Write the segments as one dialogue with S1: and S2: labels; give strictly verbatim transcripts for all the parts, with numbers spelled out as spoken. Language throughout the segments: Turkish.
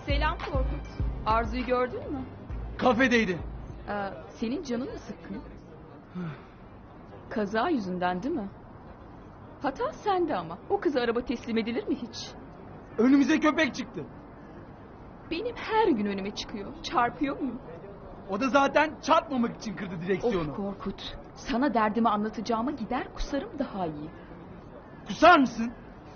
S1: Selam Korkut. Arzu'yu gördün mü?
S2: Kafedeydi.
S1: Ee, senin canın mı sıkkın? Kaza yüzünden değil mi? Hata sende ama. O kıza araba teslim edilir mi hiç?
S2: Önümüze köpek çıktı.
S1: Benim her gün önüme çıkıyor. Çarpıyor muyum?
S2: O da zaten çarpmamak için kırdı direksiyonu.
S1: Of Korkut. Sana derdimi anlatacağıma gider kusarım daha iyi.
S2: Kusar mısın?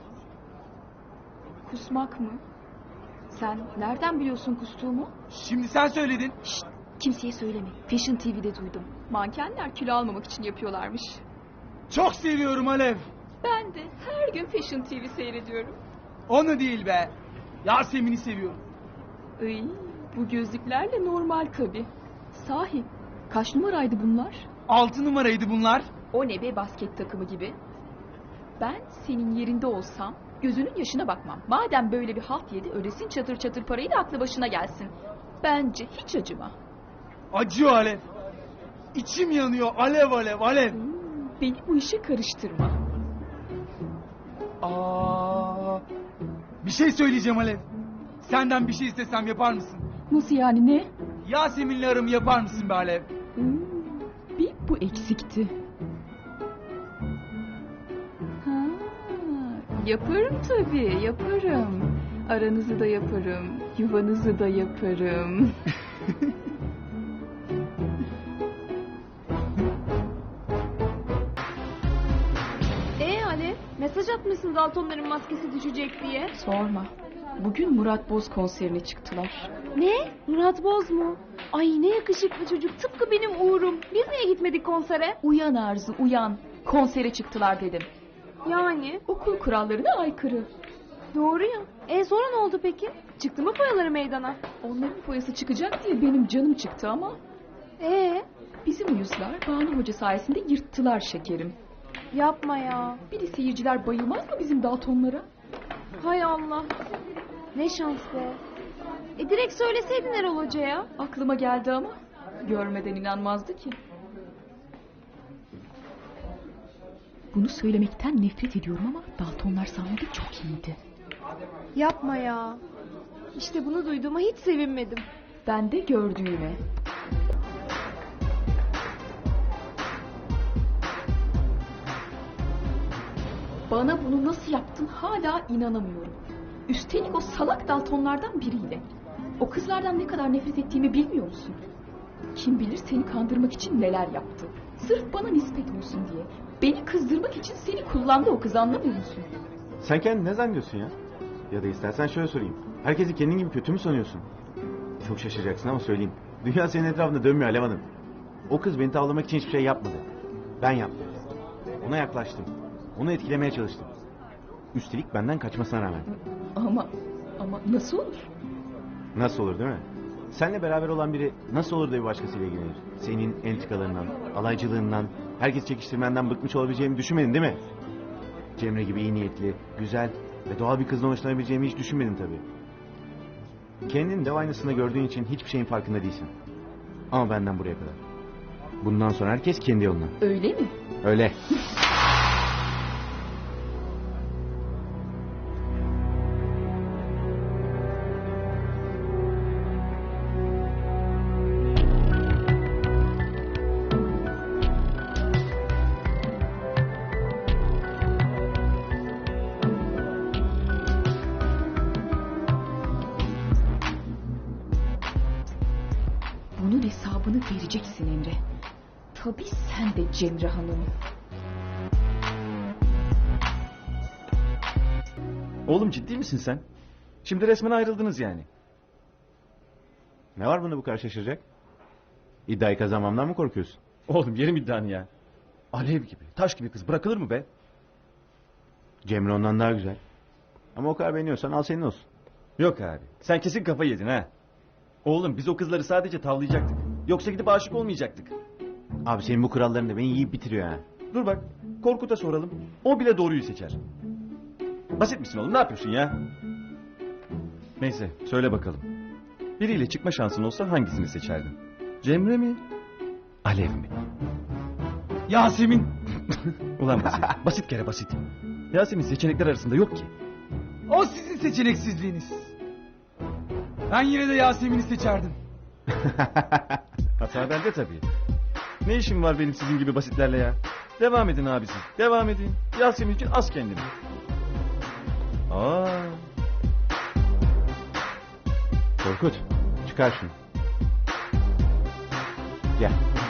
S1: Kusmak mı? Sen nereden biliyorsun kustuğumu?
S2: Şimdi sen söyledin.
S1: Şşt, kimseye söyleme. Fashion T V'de duydum. Mankenler kilo almamak için yapıyorlarmış.
S2: Çok seviyorum Alev.
S1: Ben de her gün Fashion T V seyrediyorum.
S2: Onu değil be. Yasemin'i seviyorum.
S1: Iy, bu gözlüklerle normal tabii. Sahi kaç numaraydı bunlar?
S2: Altı numaraydı bunlar.
S1: O ne be, basket takımı gibi. Ben senin yerinde olsam gözünün yaşına bakmam. Madem böyle bir halt yedi, ödesin çatır çatır parayı da aklı başına gelsin. Bence hiç acıma.
S2: Acıyor Alev. İçim yanıyor alev alev alev.
S1: Hmm, beni bu işe karıştırma.
S2: Aa, bir şey söyleyeceğim Alev. Senden bir şey istesem yapar mısın?
S1: Nasıl yani, ne?
S2: Yasemin'le aramı yapar mısın be Alev?
S1: Hmm, bir bu eksikti. Ha, yaparım tabii, yaparım. Aranızı da yaparım, yuvanızı da yaparım.
S3: Ee Ali, mesaj atmışsın Daltonların maskesi düşecek diye.
S1: Sorma. Bugün Murat Boz konserine çıktılar.
S3: Ne? Murat Boz mu? Ay ne yakışıklı çocuk, tıpkı benim Uğur'um. Biz niye gitmedik konsere?
S1: Uyan Arzu, uyan. Konsere çıktılar dedim.
S3: Yani?
S1: Okul kurallarına aykırı.
S3: Doğru ya. E sonra ne oldu peki? Çıktı mı foyaları meydana?
S1: Onların foyası çıkacak diye benim canım çıktı ama...
S3: Ee,
S1: Bizim uyuzlar Banu Hoca sayesinde yırttılar şekerim.
S3: yapma ya.
S1: Bir de seyirciler bayılmaz mı bizim Daltonlara?
S3: Hay Allah. Ne şans be. E direkt söyleseydin Erol Hoca'ya.
S1: Aklıma geldi ama görmeden inanmazdı ki. Bunu söylemekten nefret ediyorum ama Daltonlar sahnede çok iyiydi.
S3: Yapma ya. İşte bunu duyduğuma hiç sevinmedim.
S1: Ben de gördüğüme. Bana bunu nasıl yaptın hala inanamıyorum. Üstelik o salak Daltonlardan biriyle. O kızlardan ne kadar nefret ettiğimi bilmiyor musun? Kim bilir seni kandırmak için neler yaptı. Sırf bana nispet olsun diye. Beni kızdırmak için seni kullandı o kız, anlamıyor musun?
S4: Sen kendini ne zannediyorsun ya? Ya da istersen şöyle sorayım. Herkesi kendin gibi kötü mü sanıyorsun? Çok şaşıracaksın ama söyleyeyim. Dünya senin etrafında dönmüyor Alev Hanım. O kız beni tavlamak için hiçbir şey yapmadı. Ben yaptım. Ona yaklaştım. Onu etkilemeye çalıştım. Üstelik benden kaçmasına rağmen.
S1: Ama, ama nasıl olur?
S4: Nasıl olur değil mi? Seninle beraber olan biri nasıl olur da bir başkasıyla ilgilenir? Senin entrikalarından, alaycılığından, herkes çekiştirmenden bıkmış olabileceğimi düşünmedin değil mi? Cemre gibi iyi niyetli, güzel ve doğal bir kızla hoşlanabileceğimi hiç düşünmedin tabii. Kendini dev aynasında gördüğün için hiçbir şeyin farkında değilsin. Ama benden buraya kadar. Bundan sonra herkes kendi yoluna.
S1: Öyle mi?
S4: Öyle.
S1: Bunun hesabını vereceksin Emre. Tabii sen de Cemre Hanım.
S5: Oğlum ciddi misin sen? Şimdi resmen ayrıldınız yani.
S4: Ne var bunda bu kadar şaşıracak? İddiayı kazanmamdan mı korkuyorsun?
S5: Oğlum yerim iddianı ya. Alev gibi, taş gibi kız bırakılır mı be?
S4: Cemre ondan daha güzel. Ama o kadar beğeniyorsan al senin olsun.
S5: Yok abi, sen kesin kafayı yedin ha. Oğlum biz o kızları sadece tavlayacaktık. Yoksa gidip aşık olmayacaktık.
S4: Abi senin bu kuralların da beni yiyip bitiriyor ha.
S5: Dur bak, Korkut'a soralım. O bile doğruyu seçer. Basit misin oğlum, ne yapıyorsun ya? Neyse, söyle bakalım. Biriyle çıkma şansın olsa hangisini seçerdin? Cemre mi? Alev mi?
S2: Yasemin.
S5: Ulan basit, basit kere basit. Yasemin seçenekler arasında yok ki.
S2: O sizin seçeneksizliğiniz. Ben yine de Yasemin'i seçerdim.
S5: Hata bende tabii. Ne işim var benim sizin gibi basitlerle ya? Devam edin abisi. Devam edin. Yasemin için az kendini. Aa,
S4: Korkut çıkar şunu. Gel.